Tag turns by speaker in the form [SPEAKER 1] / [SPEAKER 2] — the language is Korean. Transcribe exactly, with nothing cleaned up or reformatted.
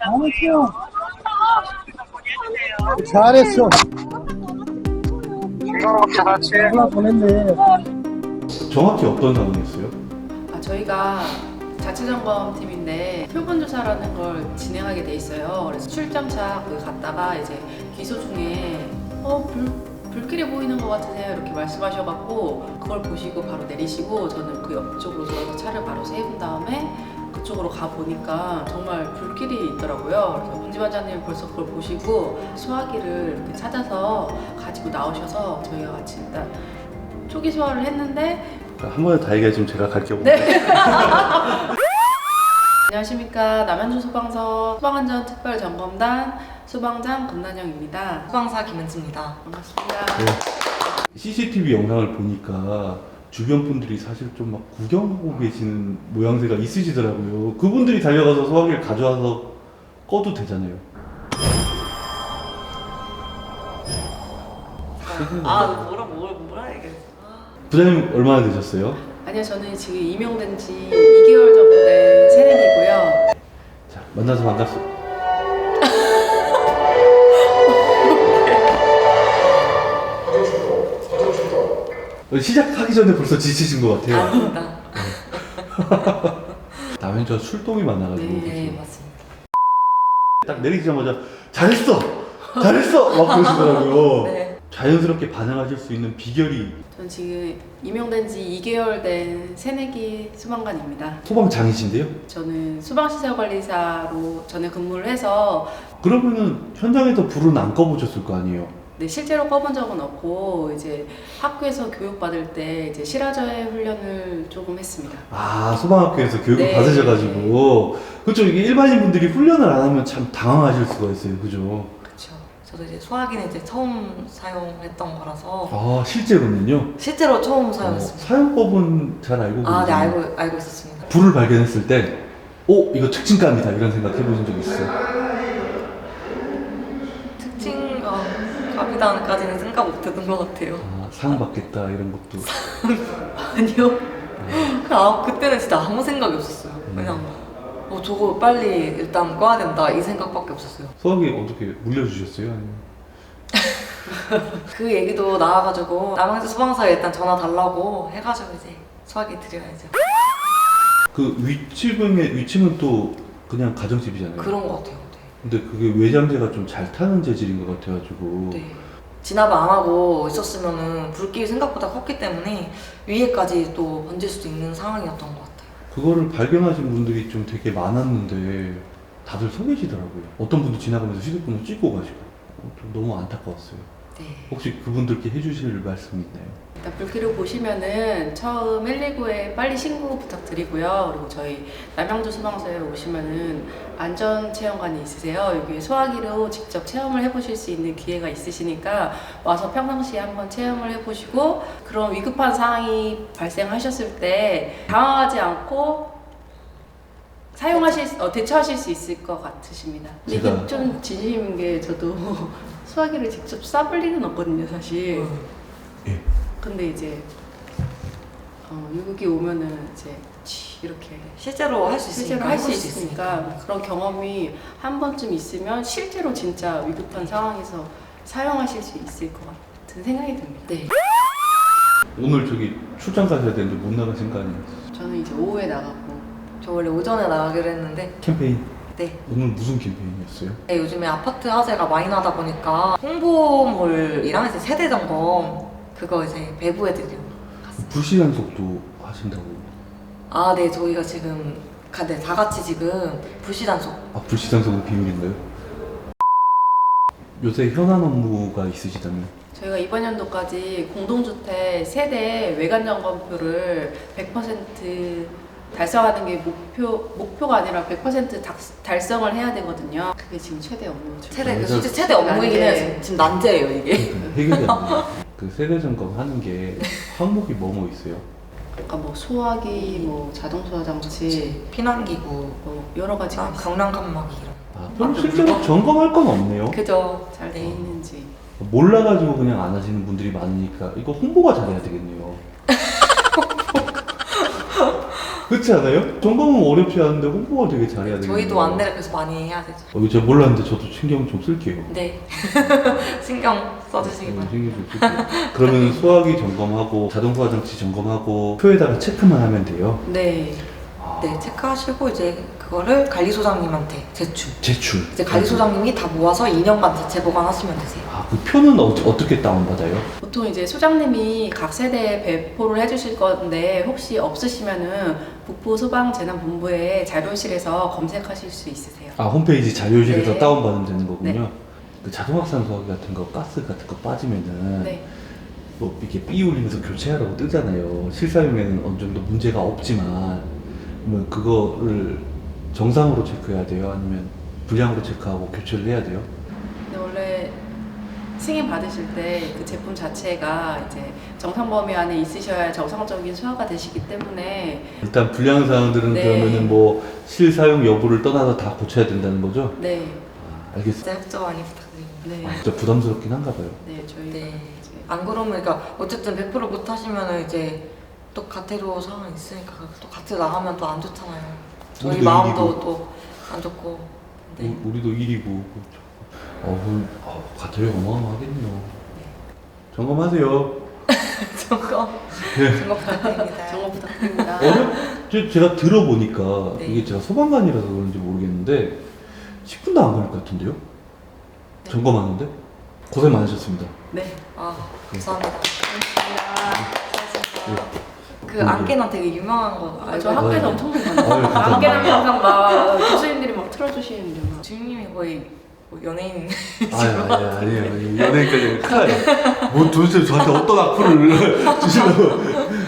[SPEAKER 1] 잘했어. 잘했어.
[SPEAKER 2] 즐거웠게 같이.
[SPEAKER 1] 하나 보냈네.
[SPEAKER 3] 정확히 어떤 상황이었어요?
[SPEAKER 4] 아, 저희가 자체점검팀인데 표본조사라는 걸 진행하게 돼 있어요. 그래서 출장차 거기 갔다가 이제 기소 중에 어 불, 불길이 보이는 것 같으세요? 이렇게 말씀하셔갖고 그걸 보시고 바로 내리시고 저는 그 옆쪽으로 들어서 차를 바로 세운 다음에 그쪽으로 가 보니까 정말 불길이 있더라고요. 그래서 운지반장님이 벌써 그걸 보시고 소화기를 이렇게 찾아서 가지고 나오셔서 저희가 같이 일단 초기 소화를 했는데
[SPEAKER 3] 한 번에 다 얘기하시면 제가 갈게요.
[SPEAKER 4] 네. 안녕하십니까. 남양주 소방서 소방안전특별점검단 소방장 금난영입니다.
[SPEAKER 5] 소방사 김은지입니다.
[SPEAKER 4] 반갑습니다.
[SPEAKER 3] 네. 씨씨티비 영상을 보니까 주변 분들이 사실 좀 막 구경하고 계시는 모양새가 있으시더라고요. 그분들이 달려가서 소화기를 가져와서 꺼도 되잖아요.
[SPEAKER 5] 아, 뭐라 뭐라 뭐라 얘기했어.
[SPEAKER 3] 부장님 얼마나 되셨어요?
[SPEAKER 4] 아니요, 저는 지금 임용된 지 이 개월 정도 된 새내기고요.
[SPEAKER 3] 자, 만나서 반갑습니다. 시작하기 전에 벌써 지치신 것 같아요.
[SPEAKER 5] 아닙니다.
[SPEAKER 3] 남현주와 출동이 많아가지고
[SPEAKER 4] 네,
[SPEAKER 5] 네, 맞습니다.
[SPEAKER 3] 딱 내리자마자 잘했어! 잘했어! 막 그러시더라고요.
[SPEAKER 5] 네.
[SPEAKER 3] 자연스럽게 반응하실 수 있는 비결이
[SPEAKER 4] 저는 지금 임용된 지 이 개월 된 새내기 소방관입니다.
[SPEAKER 3] 소방장이신데요?
[SPEAKER 4] 저는 소방시설관리사로 전에 근무를 해서
[SPEAKER 3] 그러면은 현장에서 불은 안 꺼보셨을 거 아니에요?
[SPEAKER 4] 네, 실제로 꺼본 적은 없고 이제 학교에서 교육받을 때 이제 실화저해 훈련을 조금 했습니다.
[SPEAKER 3] 아, 소방학교에서 교육을
[SPEAKER 4] 네.
[SPEAKER 3] 받으셔가지고 그렇죠. 이게 일반인 분들이 훈련을 안 하면 참 당황하실 수가 있어요. 그죠?
[SPEAKER 5] 그렇죠. 저도 이제 소화기는 이제 처음 사용했던 거라서
[SPEAKER 3] 아, 실제로는요?
[SPEAKER 5] 실제로 처음
[SPEAKER 3] 어,
[SPEAKER 5] 사용했습니다.
[SPEAKER 3] 사용법은 잘 알고
[SPEAKER 5] 아, 네,
[SPEAKER 3] 계세요?
[SPEAKER 5] 알고 알고 있었습니다.
[SPEAKER 3] 불을 발견했을 때 오, 이거 특징감이다 이런 생각 해보신 적 있어요?
[SPEAKER 5] 특징과 가비단까지는 생각 못했던 것 같아요.
[SPEAKER 3] 아, 상 받겠다 이런 것도
[SPEAKER 5] 아니요. 그 아, 그때는 진짜 아무 생각이 없었어요.
[SPEAKER 3] 음.
[SPEAKER 5] 그냥 어, 저거 빨리 일단 꺼야 된다 이 생각밖에 없었어요.
[SPEAKER 3] 소화기 어떻게 물려주셨어요? 아니면?
[SPEAKER 5] 그 얘기도 나와가지고 남양주 소방서에 일단 전화 달라고 해가지고 이제 소화기 드려야죠.
[SPEAKER 3] 그 위층의 위층은 또 그냥 가정집이잖아요.
[SPEAKER 5] 그런 것 같아요. 네.
[SPEAKER 3] 근데 그게 외장재가 좀 잘 타는 재질인 것 같아가지고
[SPEAKER 5] 네. 진압을 안 하고 있었으면은 불길이 생각보다 컸기 때문에 위에까지 또 번질 수도 있는 상황이었던 것 같아요.
[SPEAKER 3] 그거를 발견하신 분들이 좀 되게 많았는데 다들 서 계시더라고요. 어떤 분도 지나가면서 휴대폰을 찍고 가시고 어, 좀 너무 안타까웠어요.
[SPEAKER 5] 네.
[SPEAKER 3] 혹시 그분들께 해주실 말씀이 있나요?
[SPEAKER 4] 일단 불길을 보시면은 처음 일일구에 빨리 신고 부탁드리고요. 그리고 저희 남양주 소방서에 오시면은 안전 체험관이 있으세요. 여기 소화기로 직접 체험을 해보실 수 있는 기회가 있으시니까 와서 평상시에 한번 체험을 해보시고 그런 위급한 상황이 발생하셨을 때 당황하지 않고 사용하실 수- 어, 대처하실 수 있을 것 같으십니다. 근데 이게
[SPEAKER 3] 제가-
[SPEAKER 4] 좀 진심인 게 저도 소화기를 직접 쏴볼 일은 없거든요, 사실.
[SPEAKER 3] 예.
[SPEAKER 4] 근데 이제 어, 여기 오면은 이제 치 이렇게
[SPEAKER 5] 실제로 할 수 있으니까
[SPEAKER 4] 실제로 할 수
[SPEAKER 5] 해볼
[SPEAKER 4] 있으니까 그런 경험이 한 번쯤 있으면 실제로 진짜 위급한 상황에서 사용하실 수 있을 것 같은 생각이 듭니다.
[SPEAKER 5] 네.
[SPEAKER 3] 오늘 저기 출장 가셔야 되는데 못 나가신 거 아니에요?
[SPEAKER 4] 저는 이제 오후에 나가고
[SPEAKER 5] 저 원래 오전에 나가기로 했는데
[SPEAKER 3] 캠페인
[SPEAKER 5] 네.
[SPEAKER 3] 오늘 무슨 캠페인이었어요?
[SPEAKER 5] 네, 요즘에 아파트 화재가 많이 나다 보니까 홍보물이랑 이제 세대 점검 그거 이제 배부해드리고 갔어요.
[SPEAKER 3] 불시단속도 하신다고.
[SPEAKER 5] 아, 네, 저희가 지금 가, 네, 다 같이 지금 불시단속.
[SPEAKER 3] 아, 불시단속은 비밀인가요? 요새 현안 업무가 있으시다면?
[SPEAKER 4] 저희가 이번 연도까지 공동주택 세대 외관 점검표를 백 퍼센트 달성하는 게 목표 목표가 아니라 백 퍼센트 달, 달성을 해야 되거든요. 그게 지금 최대 업무죠.
[SPEAKER 5] 최대, 그
[SPEAKER 3] 그래서-
[SPEAKER 5] 실제 최대 업무이긴 해요.
[SPEAKER 4] 난제.
[SPEAKER 5] 지금, 지금 난제예요, 이게.
[SPEAKER 3] 해결이 안 돼요. 그 세대 점검 하는 게 항목이 뭐뭐 있어요?
[SPEAKER 4] 그러니까 뭐 소화기, 뭐 자동 소화 장치,
[SPEAKER 5] 피난기구,
[SPEAKER 4] 뭐 여러 가지가
[SPEAKER 5] 아,
[SPEAKER 4] 있어요.
[SPEAKER 5] 경량 칸막이 이런.
[SPEAKER 3] 아, 그럼 실제로 점검할 건 없네요.
[SPEAKER 5] 그죠.
[SPEAKER 4] 잘 돼 있는지.
[SPEAKER 3] 몰라가지고 그냥 안 하시는 분들이 많으니까 이거 홍보가 잘해야 되겠네요. 그렇지 않아요? 점검은 어렵지 않은데 홍보가 되게 잘해야 돼요.
[SPEAKER 5] 저희도 안내를 그래서 많이 해야 되죠.
[SPEAKER 3] 어, 이거 제가 몰랐는데 저도 신경 좀 쓸게요.
[SPEAKER 5] 네. 신경 써주시기
[SPEAKER 3] 어,
[SPEAKER 5] 바랍니다.
[SPEAKER 3] 신경 좀 쓸게요. 그러면 소화기 점검하고 자동 소화 장치 점검하고 표에다가 체크만 하면 돼요.
[SPEAKER 4] 네.
[SPEAKER 3] 아,
[SPEAKER 5] 네, 체크하시고 이제 그거를 관리소장님한테 제출.
[SPEAKER 3] 제출.
[SPEAKER 5] 이제 관리소장님이 다 모아서 이 년간 자체 보관하시면 되세요.
[SPEAKER 3] 아, 그 표는 어, 어떻게 다운받아요?
[SPEAKER 4] 보통 이제 소장님이 각 세대에 배포를 해주실 건데 혹시 없으시면은 북부 소방재난본부의 자료실에서 검색하실 수 있으세요.
[SPEAKER 3] 아, 홈페이지 자료실에서
[SPEAKER 4] 네.
[SPEAKER 3] 다운받으면 되는 거군요.
[SPEAKER 4] 네.
[SPEAKER 3] 그 자동확산 소화기 같은 거, 가스 같은 거 빠지면은
[SPEAKER 4] 네.
[SPEAKER 3] 뭐 이렇게 삐 울리면서 교체하라고 뜨잖아요. 실사용에는 어느 정도 문제가 없지만 그러면 그거를 정상으로 체크해야 돼요? 아니면 불량으로 체크하고 교체를 해야 돼요?
[SPEAKER 4] 근데 원래 승인 받으실 때 그 제품 자체가 이제 정상 범위 안에 있으셔야 정상적인 소화가 되시기 때문에
[SPEAKER 3] 일단 불량 사항들은
[SPEAKER 4] 네.
[SPEAKER 3] 그러면은 뭐 실사용 여부를 떠나서 다 고쳐야 된다는 거죠?
[SPEAKER 4] 네.
[SPEAKER 3] 아, 알겠습니다.
[SPEAKER 5] 진짜 협조 많이 부탁드립니다.
[SPEAKER 4] 네.
[SPEAKER 3] 아, 진짜 부담스럽긴 한가 봐요.
[SPEAKER 4] 네, 저희가
[SPEAKER 5] 네.
[SPEAKER 4] 이제
[SPEAKER 5] 안 그러면 그러니까 어쨌든 백 퍼센트 못 하시면은 이제 또 가태료 상황이 있으니까 또 가태 나가면 또 안 좋잖아요. 저희
[SPEAKER 3] 우리도
[SPEAKER 5] 마음도
[SPEAKER 3] 일이고.
[SPEAKER 5] 또 안 좋고. 네.
[SPEAKER 3] 우- 우리도 일이고. 어, 그럼 어, 가태료 어마어마하겠네요. 점검하세요.
[SPEAKER 5] 점검
[SPEAKER 3] 네.
[SPEAKER 5] 점검 부탁드립니다.
[SPEAKER 4] 정보 부탁드립니다.
[SPEAKER 3] 어렵, 저- 제가 들어보니까
[SPEAKER 5] 네.
[SPEAKER 3] 이게 제가 소방관이라서 그런지 모르겠는데 십 분도 안 걸릴 것 같은데요?
[SPEAKER 5] 네.
[SPEAKER 3] 점검하는데? 고생 많으셨습니다.
[SPEAKER 4] 네.
[SPEAKER 5] 아 감사합니다.
[SPEAKER 4] 고맙습니다.
[SPEAKER 5] 그 안개나 되게 유명한 거
[SPEAKER 4] 아,
[SPEAKER 5] 알고
[SPEAKER 4] 저
[SPEAKER 5] 있어요?
[SPEAKER 4] 학교에서 엄청 많이
[SPEAKER 3] 아유,
[SPEAKER 4] 봤어요.
[SPEAKER 3] 감사합니다.
[SPEAKER 4] 안개랑 항상 막 교수님들이 막 틀어주시는데 막.
[SPEAKER 5] 주임님이 거의 뭐 연예인
[SPEAKER 3] 아유, 아니에요, 아니에요. 연예인까지 큰일 나요. 뭐 도대체 저한테 어떤 악플을 주시려고.